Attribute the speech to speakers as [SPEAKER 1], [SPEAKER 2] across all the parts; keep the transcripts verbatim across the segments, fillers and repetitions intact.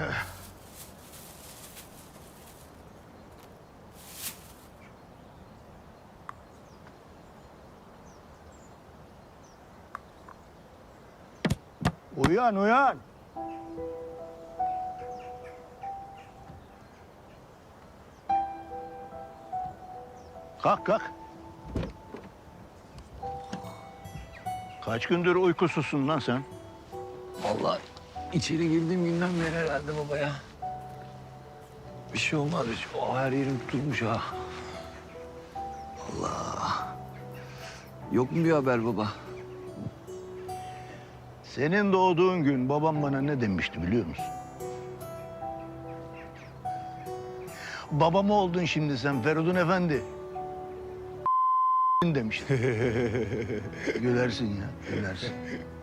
[SPEAKER 1] Uyan, uyan. Kalk, kalk. Kaç gündür uykusuzsun lan sen?
[SPEAKER 2] Vallahi içeri girdiğim günden beri herhalde baba ya. Bir şey olmaz hiç. O her yerim tutulmuş ha. Allah. Yok mu bir haber baba?
[SPEAKER 1] Senin doğduğun gün babam bana ne demişti biliyor musun? Babam oldun şimdi sen Feridun Efendi. demişti. Gülersin ya, gülersin.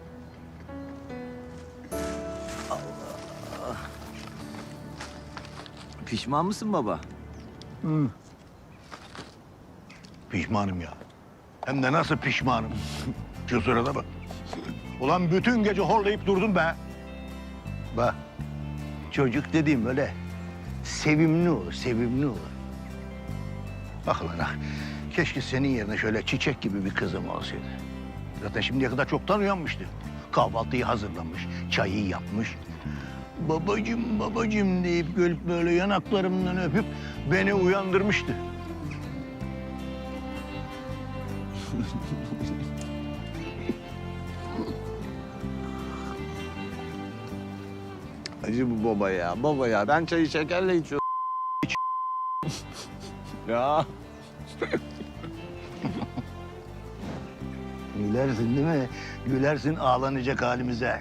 [SPEAKER 2] Pişman mısın baba?
[SPEAKER 1] Hı. Pişmanım ya. Hem de nasıl pişmanım. Şu sırada bak. Ulan bütün gece horlayıp durdum be. Bak, çocuk dediğim böyle sevimli olur, sevimli olur. Bak lan ha, keşke senin yerine şöyle çiçek gibi bir kızım olsaydı. Zaten şimdiye kadar çoktan uyanmıştı. Kahvaltıyı hazırlamış, çayı yapmış. Babacım, babacım deyip gelip böyle yanaklarımdan öpüp beni uyandırmıştı.
[SPEAKER 2] Acı bu baba ya, baba ya. Ben çayı şekerle içiyorum. Ya.
[SPEAKER 1] Gülersin değil mi? Gülersin ağlanacak halimize.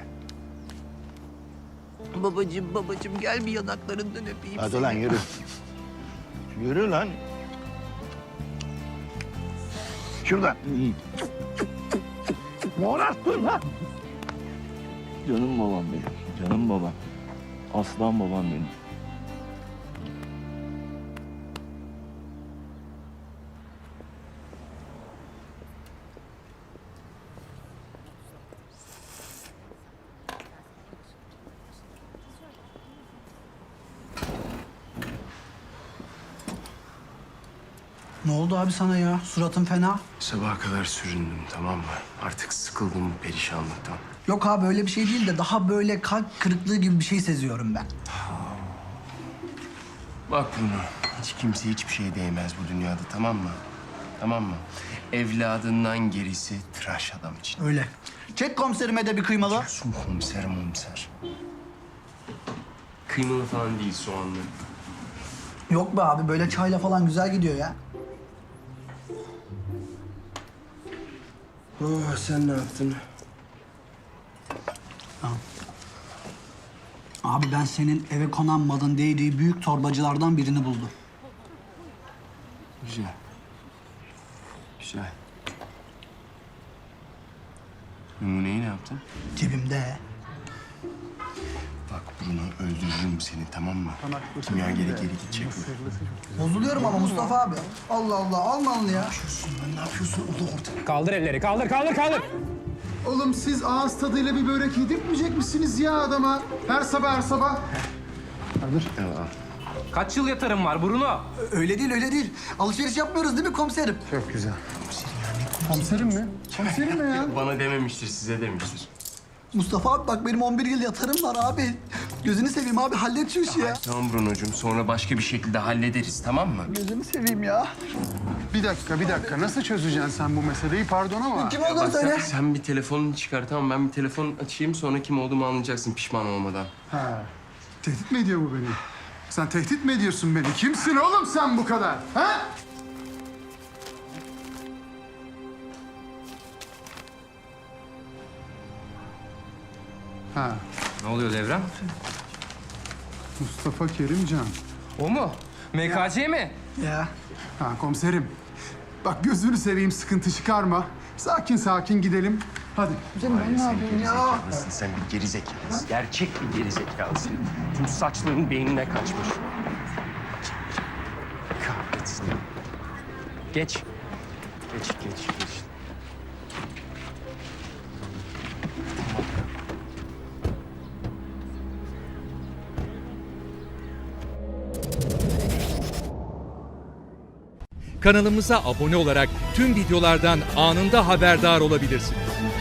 [SPEAKER 2] Babacığım, babacığım gel bir yanaklarından öpeyim
[SPEAKER 1] Hadi
[SPEAKER 2] seni.
[SPEAKER 1] lan yürü. Yürü lan. Şuradan. Morarttın lan.
[SPEAKER 3] Canım babam benim. Canım babam. Aslan babam benim.
[SPEAKER 4] Ne oldu abi sana ya? Suratın fena.
[SPEAKER 5] Sabaha kadar süründüm, tamam mı? Artık sıkıldım bu perişanlıktan.
[SPEAKER 4] Yok abi öyle bir şey değil de daha böyle kalp kırıklığı gibi bir şey seziyorum ben.
[SPEAKER 5] Bak Bruno, hiç kimse hiçbir şeye değmez bu dünyada, tamam mı? Tamam mı? Evladından gerisi tıraş adam için.
[SPEAKER 4] Öyle. Çek komiserime de bir kıymalı.
[SPEAKER 5] Su komiser komiser. Kıymalı falan değil, soğanlı.
[SPEAKER 4] Yok be abi böyle çayla falan güzel gidiyor ya.
[SPEAKER 5] Oh, sen ne yaptın?
[SPEAKER 4] Abi ben senin eve konan malın değdiği büyük torbacılardan birini buldum.
[SPEAKER 5] Güzel. Güzel. Numuneyi ne yaptın?
[SPEAKER 4] Cebimde.
[SPEAKER 5] Bak Bruno, öldürürüm seni, tamam mı? Kimya geri geri gidecek bu.
[SPEAKER 4] Bozuluyorum ama Mustafa abi. Allah Allah almalını ya.
[SPEAKER 5] Lan ne yapıyorsun? O da ortada.
[SPEAKER 6] Kaldır elleri, kaldır, kaldır, kaldır.
[SPEAKER 7] Oğlum siz ağız tadıyla bir börek yedirtmeyecek misiniz ya adama? Her sabah her sabah.
[SPEAKER 5] Tamam.
[SPEAKER 6] Kaç yıl yatarım var Bruno?
[SPEAKER 4] Öyle değil öyle değil. Alışveriş yapmıyoruz değil mi komiserim?
[SPEAKER 7] Çok güzel. Komiserim mi? Komiserim mi ya?
[SPEAKER 5] Bana dememiştir, size demiştir.
[SPEAKER 4] Mustafa abi bak benim on bir yıl yatarım var abi. Gözünü seveyim abi hallet şu işi ya.
[SPEAKER 5] Tamam Bruno'cum, sonra başka bir şekilde hallederiz, tamam mı?
[SPEAKER 4] Gözünü seveyim ya.
[SPEAKER 7] Bir dakika, bir dakika. Nasıl çözeceksin sen bu meseleyi? Pardon ama.
[SPEAKER 4] Kim olduğunu
[SPEAKER 5] Bak sen,
[SPEAKER 4] söyle.
[SPEAKER 5] sen bir telefonunu çıkar, tamam. Ben bir telefon açayım, sonra kim olduğumu anlayacaksın pişman olmadan.
[SPEAKER 7] Ha. Tehdit mi ediyor bu beni? Sen tehdit mi ediyorsun beni? Kimsin oğlum sen bu kadar? Ha? Ha.
[SPEAKER 6] Ne oluyor Devrem?
[SPEAKER 7] Mustafa Kerimcan.
[SPEAKER 6] O mu? M K C mi?
[SPEAKER 4] Ya.
[SPEAKER 7] Ha komiserim. Bak gözünü seveyim sıkıntı çıkarma. Sakin sakin gidelim. Hadi.
[SPEAKER 5] Gerizekalısın, sen bir gerizekalısın. Gerçek bir gerizekalısın. Tüm saçların beynine kaçmış. Kahretsin. Geç. Geç, geç, geç.
[SPEAKER 8] Kanalımıza abone olarak tüm videolardan anında haberdar olabilirsiniz.